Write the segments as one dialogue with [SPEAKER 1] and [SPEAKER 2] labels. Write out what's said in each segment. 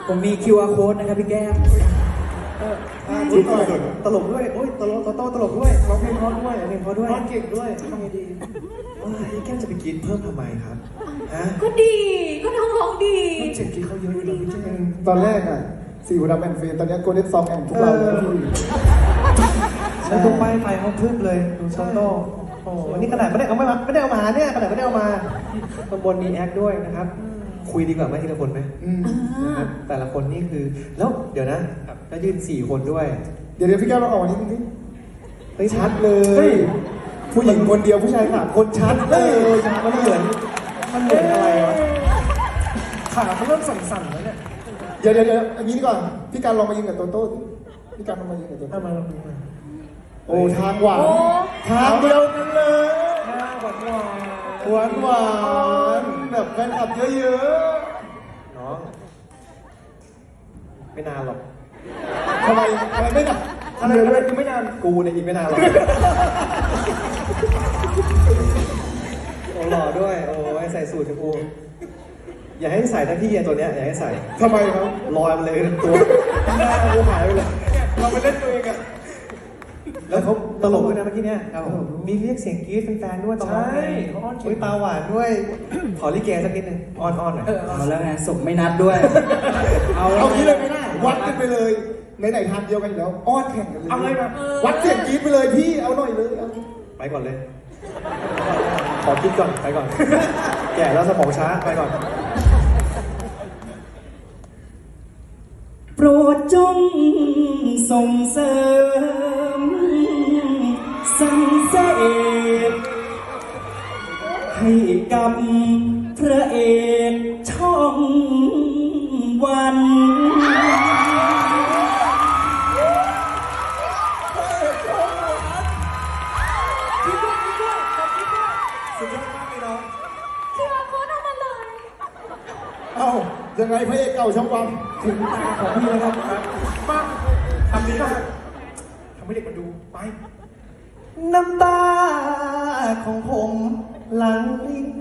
[SPEAKER 1] ผมมี QR code นะครับพี่แก้ม
[SPEAKER 2] ชุดหน่อยตลกด้วยโอ้ยตลกตลกด้วยร้องเพลงเพราะด้วยเพลงเพราะด้วยร้องเก่งด้วยทำไงดีพี่แก้มจะไปกินเพิ่มทำไมครับฮะ
[SPEAKER 3] ก็ดีก็น้องร้องดี
[SPEAKER 2] เจ็บกินเขาเยอะเลยพี่แก้ม
[SPEAKER 4] ตอนแรกอ่ะสี่หัวดำแอนด์เฟนตอนนี้โกลเด้นซองแอนด์ทุกเราเลยพี่
[SPEAKER 2] แล้วตรงป้ายไฟเขาพึบเลยดูโซโต้โอ้วันนี้ขนาดไม่ได้เอามาเนี่ยขนาดไม่ได้เอามาตำบลมีแอคด้วยนะครับคุยดีกว่าไหมทีละคนไหมนะครับแต่ละคนนี่คือแล้วเดี๋ยวนะแล้วยืน4 คนด้วย
[SPEAKER 4] เดี๋ยวพี่แก้วเราออกวันนี้นิดนึง
[SPEAKER 2] เฮ้ยชัดเล
[SPEAKER 4] เฮ้
[SPEAKER 2] ย
[SPEAKER 4] ยผู้หญิงคนเดียวผู้ชาย3 คนชัดเลย
[SPEAKER 2] มันเหมือนอะไรวะขาเขาเริ่มสั่นๆแล้วเนี่ย
[SPEAKER 4] เดี๋ยวอย่างนี้ดีกว่าพี่การลองมายืนกับโตโต้พี่การลองมายืนกับโตโต้
[SPEAKER 2] มาลองดูมา
[SPEAKER 4] โอ้ทางหวานทางเดียวกันเลย
[SPEAKER 2] หวาน
[SPEAKER 4] หวานแบบแฟนคลับเยอะ
[SPEAKER 2] น้องไม่นานหรอก
[SPEAKER 4] ๆทำไมไม่หนัก
[SPEAKER 2] อะไรด้วยกูไม่นานกูเนี่ยอีกไม่นานหรอกโอ้หล่อด้วยโอ้ยใส่สูทกูอย่าให้ใส่ทั้งที่ตัวเนี้ยอย่าให้ใส่
[SPEAKER 4] ทำไมครับ
[SPEAKER 2] ลอยมาเลยตัวหน้ากูหายไปเลยเราไปเล่นตัวเองอะแล้วเขาตลกด้วยนะเมื่อกี้เนี่ยมีเรียกเสียงกรี๊ดแฟนๆด้วยตอนร้องเพลงเขาอ้อนตาหวานด้วยขอลิเกสักนิดนึงอ้อนๆหน่อย
[SPEAKER 1] เอาแล้วไงศพไม่นับด้วย
[SPEAKER 4] เอางี้เลยไม่ได้วัดกันไปเลยไหนๆทางเดียวกันอยู่แล้วอ้อนแข่งกันเลย
[SPEAKER 2] เอาเลยมา
[SPEAKER 4] วัดเสียงกรี๊ดไปเลยพี่เอาหน่อยเลยเอา
[SPEAKER 2] ไปก่อนเลย ขอคิดก่อนไปก่อน แก่แล้วสมองช้าไปก่อน
[SPEAKER 1] โปรดจงส่งเสริมสั่งเสพให้กับพระเอกช่องวัน
[SPEAKER 2] สุดยอดมากเลยน้อง
[SPEAKER 3] คือว่าโค้ดเอามาเลย
[SPEAKER 4] เอ้ายังไงพระเอกเก่าช่องวัน
[SPEAKER 2] ถึงตาของพี่แล้วครับมาทำดีมากทำให้เด็กมาดู ไป น้ำตาของผมหลังลิ้น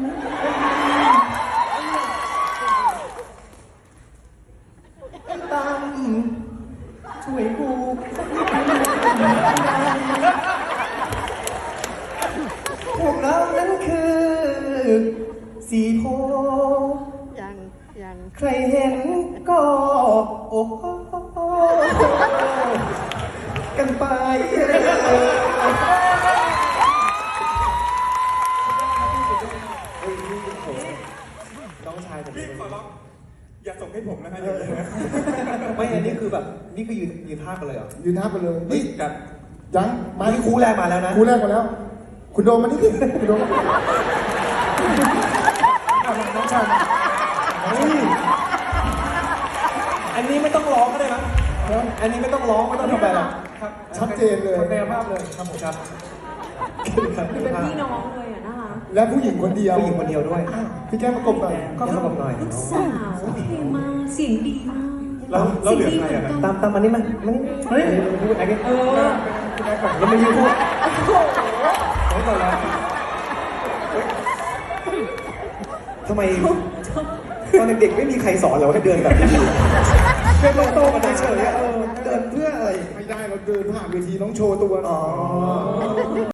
[SPEAKER 2] ตั้มช่วยกูพวกเรานั้นคือสีโพ
[SPEAKER 3] ยัง
[SPEAKER 2] ใครเห็นก็โอ้โหกันไปน้องชายผมพี่ขอร้องอย่าส่งให้ผมนะฮะไม่อันนี้คือแบบนี่คือยืนท่ากันเลยเหรอ
[SPEAKER 4] ยืนท่าไปเลย
[SPEAKER 2] นี่
[SPEAKER 4] นี่
[SPEAKER 2] กับ
[SPEAKER 4] ยังมา
[SPEAKER 2] นี่คู่แรกมาแล้วนะ
[SPEAKER 4] คู่แรกมาแล้ว คุณโดมมานี่ดิคุณโดม
[SPEAKER 2] น้องชายอันนี้ไม่ต้องร้องก็ได้มั้งอันนี้ไม่ต้องร้องไม่ต้องทำอะไรหรอกครับ
[SPEAKER 4] ชัดเจนเลย
[SPEAKER 2] แนวภาพเลยครับผมครับ
[SPEAKER 3] คือเป็นพี่น้องเลยอะนะคะ
[SPEAKER 4] และผู้หญิงคนเดียว
[SPEAKER 2] ผู้หญิงคนเดียวด้วย
[SPEAKER 4] พี่แก้มประกบหน่อย
[SPEAKER 2] ก็เข้ากับหน่อย
[SPEAKER 3] ลูกสาวเพลงมาเสียงดีมาก
[SPEAKER 2] เราเหลือใครอ่ะตามมันนี่มันเฮ้ยพูดอะไรกันแล้วไม่ยืนพูดโอ้โหแล้วทำไมตอนเด็กๆไม่มีใครสอนเราให้เดินแบบนี้เดินโตๆกันเฉยๆเดินเพื่ออะไร
[SPEAKER 4] ไม่ได้เราเดินผ่านเวทีต้องโชว์ตัว
[SPEAKER 2] อ๋อ